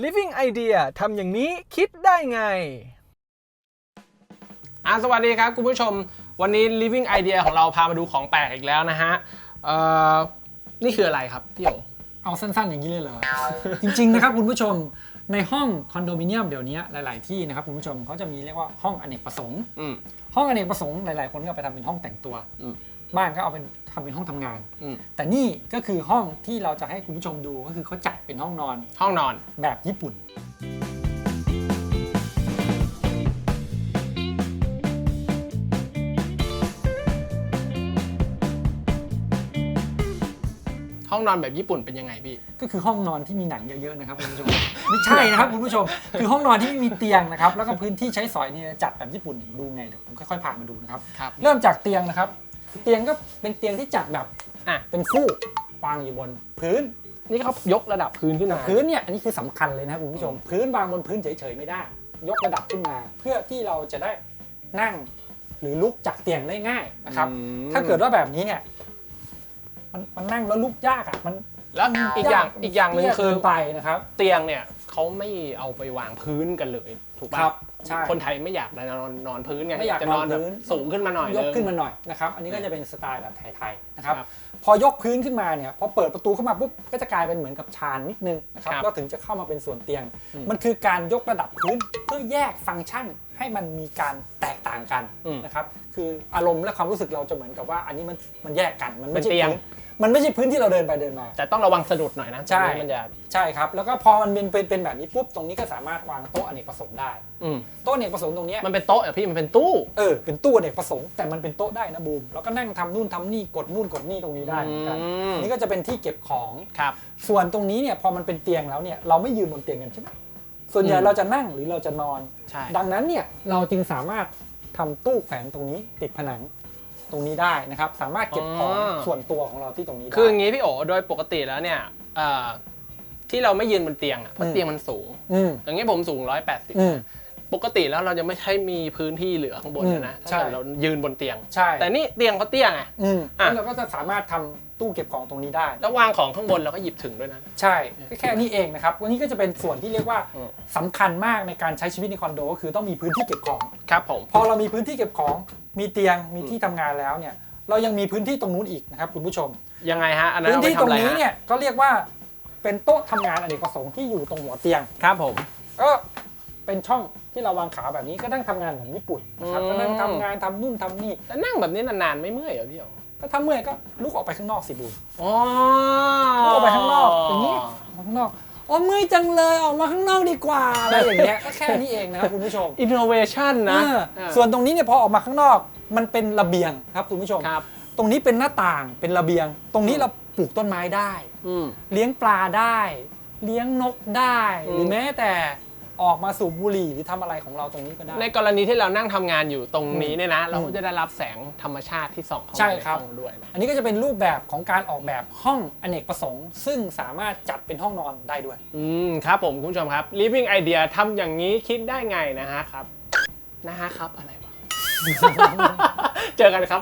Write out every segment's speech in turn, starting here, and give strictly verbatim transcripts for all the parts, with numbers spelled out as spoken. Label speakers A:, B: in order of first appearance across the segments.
A: Living Idea ทำอย่างนี้คิดได้ไงอ่ะสวัสดีครับคุณผู้ชมวันนี้ Living Idea ของเราพามาดูของแปลกอีกแล้วนะฮะเอ่อนี่คืออะไรครับพี่โอ
B: เอาสั้นๆอย่างนี้เลยเหรอ จริงๆนะครับคุณผู้ชมในห้องคอนโดมิเนียมเดี๋ยวนี้หลายๆที่นะครับคุณผู้ชมเขาจะมีเรียกว่าห้องอเนกประสงค์ห้องอเนกประสงค์หลายๆคนก็ไปทำเป็นห้องแต่งตัวบ้านก็เอาเป็นทำเป็นห้องทำงานแต่นี่ก็คือห้องที่เราจะให้คุณผู้ชมดูก็คือเขาจัดเป็นห้องนอน
A: ห้องนอน
B: แบบญี่ปุ่น
A: ห้องนอนแบบญี่ปุ่นเป็นยังไงพี่
B: ก็คือห้องนอนที่มีหนังเยอะๆนะครับคุณผู้ชมไม่ใช่นะครับคุณผู้ชมคือห้องนอนที่ไม่มีเตียงนะครับแล้วก็พื้นที่ใช้สอยเนี่ยจัดแบบญี่ปุ่นดูไงเดี๋ยวผมค่อยๆพามาดูนะครับเริ่มจากเตียงนะครับเตียงก็เป็นเตียงที่จัดแบบอ่ะเป็นฟูกวางอยู่บนพื้น
A: นี่เขายกระดับพื้นขึ้นมา
B: พื้นเนี่ยอันนี้คือสำคัญเลยนะครับคุณผู้ชมพื้นวางบนพื้นเฉยๆไม่ได้ยกระดับขึ้นมาเพื่อที่เราจะได้นั่งหรือลุกจากเตียงได้ง่ายนะครับถ้าเกิดว่าแบบนี้เนี่ยมันมันนั่งแล้วลุกยากอ่ะมัน
A: แล้วอีกอย่างอีกอย่างหนึ่งคือ
B: ไปนะครับ
A: เตียงเนี่ยเขาไม่เอาไปวางพื้นกันเลยถูกป่ะคนไทยไม่อยากนอนนอนพื้นไง
B: ไม่อยากนอนพื้น
A: สูงขึ้นมาหน่อย
B: ยกขึ้นมาหน่อยนะครับอันนี้ก็จะเป็นสไตล์แบบไทยๆนะครับพอยกพื้นขึ้นมาเนี่ยพอเปิดประตูเข้ามาปุ๊บก็จะกลายเป็นเหมือนกับชานนิดนึงนะครับก็ถึงจะเข้ามาเป็นส่วนเตียงมันคือการยกระดับพื้นเพื่อแยกฟังก์ชันให้มันมีการแตกต่างกันนะครับคืออารมณ์และความรู้สึกเราจะเหมือนกับว่าอันนี้มันมันแยกกันมันไม่ใช่พื้นมันไม่ใช่พื้นที่เราเดินไปเดินมา
A: แต่ต้องระวังสะดุดหน่อยนะ
B: ใช่
A: มันจะ
B: ใช่ครับแล้วก็พอมันเป็นเป็นเป็นแบบนี้ปุ๊บตรงนี้ก็สามารถวางโต๊ะอเนกประสงค์ได้โต๊ะอเนกประสงค์ตรงนี้
A: มันเป็นโต๊ะเหรอพี่มันเป็นตู้
B: เออเป็นตู้อเนกประสงค์แต่มันเป็นโต๊ะได้นะบูมแล้วก็นั่งทำนู่นทำนี่กดนู่นกดนี่ตรงนี้ได้เหมือนกันนี่ก็จะเป็นที่เก็บของ
A: ครับ
B: ส่วนตรงนี้เนี่ยพอมันเป็นเตียงแล้วเนี่ยเราไม่ยืนบนเตียงกันใช่ไหมส่วนใหญ่เราจะนั่งหรือเราจะนอนดังนั้นเนี่ยเราจึงสามารถทำตู้แขวนตรงนี้ติดผนังตรงนี้ได้นะครับสามารถเก็บของส่วนตัวของเราที่ตรงนี้ได้
A: คืออย่างนี้พี่โอโดยปกติแล้วเนี่ยที่เราไม่ยืนบนเตียงอ่ะเพราะเตียงมันสูงอย่างนี้ผมสูงหนึ่งร้อยแปดสิบปกติแล้วเราจะไม่ใช่มีพื้นที่เหลือข้างบนนะถ้าเรายืนบนเตียงแต่นี่เตียงเขาเตี้ยไง
B: เราก็จะสามารถทำตู้เก็บของตรงนี้ได้
A: แล้ววางของข้างบนเราก็หยิบถึงด้วยนะ
B: ใช่แค่นี้เองนะครับวันนี้ก็จะเป็นส่วนที่เรียกว่าสำคัญมากในการใช้ชีวิตในคอนโดก็คือต้องมีพื้นที่เก็บของ
A: ครับผม
B: พอเรามีพื้นที่เก็บของมีเตียงมีที่ทำงานแล้วเนี่ยเรายังมีพื้นที่ตรงนู้นอีกนะครับคุณผู้ชม
A: ยังไงฮะ
B: พื้นที่ตรงนี้เนี่ยก็เรียกว่าเป็นโต๊ะทำงานอเนกประสงค์ที่อยู่ตรงหัวเตียง
A: ครับผม
B: ก็เป็นช่องที่เราวางขาแบบนี้ก็นั่งทำงานแบบญี่ปุ่นนะครับก็นั่งทำงานทำนู่นทำนี่
A: แล้วนั่งแบบนี้นานๆไม่เมื่อยเหรอพี่อ๋อ
B: ถ้าทำเมื่อยก็ลุกออกไปข้างนอกสิบูอ๋อลุกออกไปข้างนอกอย่างนี้ข้างนอกอ๋อเมื่อยจังเลยออกมาข้างนอกดีกว่าอะไรอย่างเงี้ยก็แค่นี้เองนะครับคุณผู้ชม
A: innovation นะ
B: ส่วนตรงนี้เนี่ยพอออกมาข้างนอกมันเป็นระเบียงครับคุณผู้ชมตรงนี้เป็นหน้าต่างเป็นระเบียงตรงนี้เราปลูกต้นไม้ได้เลี้ยงปลาได้เลี้ยงนกได้หรือแม้แต่ออกมาสูบบุหรี่หรือทำอะไรของเราตรงนี้ก็ได้
A: ในกรณีที่เรานั่งทำงานอยู่ตรงนี้เนี่ยนะเราก็จะได้รับแสงธรรมชาติที่ส่องเข้ามาในห้องด้วย
B: อันนี้ก็จะเป็นรูปแบบของการออกแบบห้องอเนกประสงค์ซึ่งสามารถจัดเป็นห้องนอนได้ด้วย
A: อืมครับผมคุณผู้ชมครับ Living Idea ทำอย่างนี้คิดได้ไงนะฮะครับนะฮะครับอะไรวะ เจอกันครับ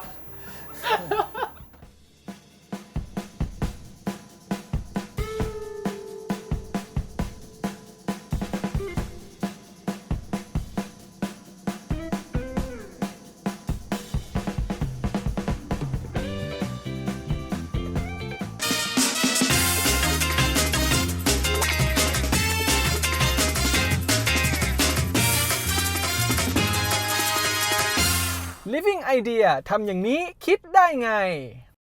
A: Living Idea ทำอย่างนี้คิดได้ไง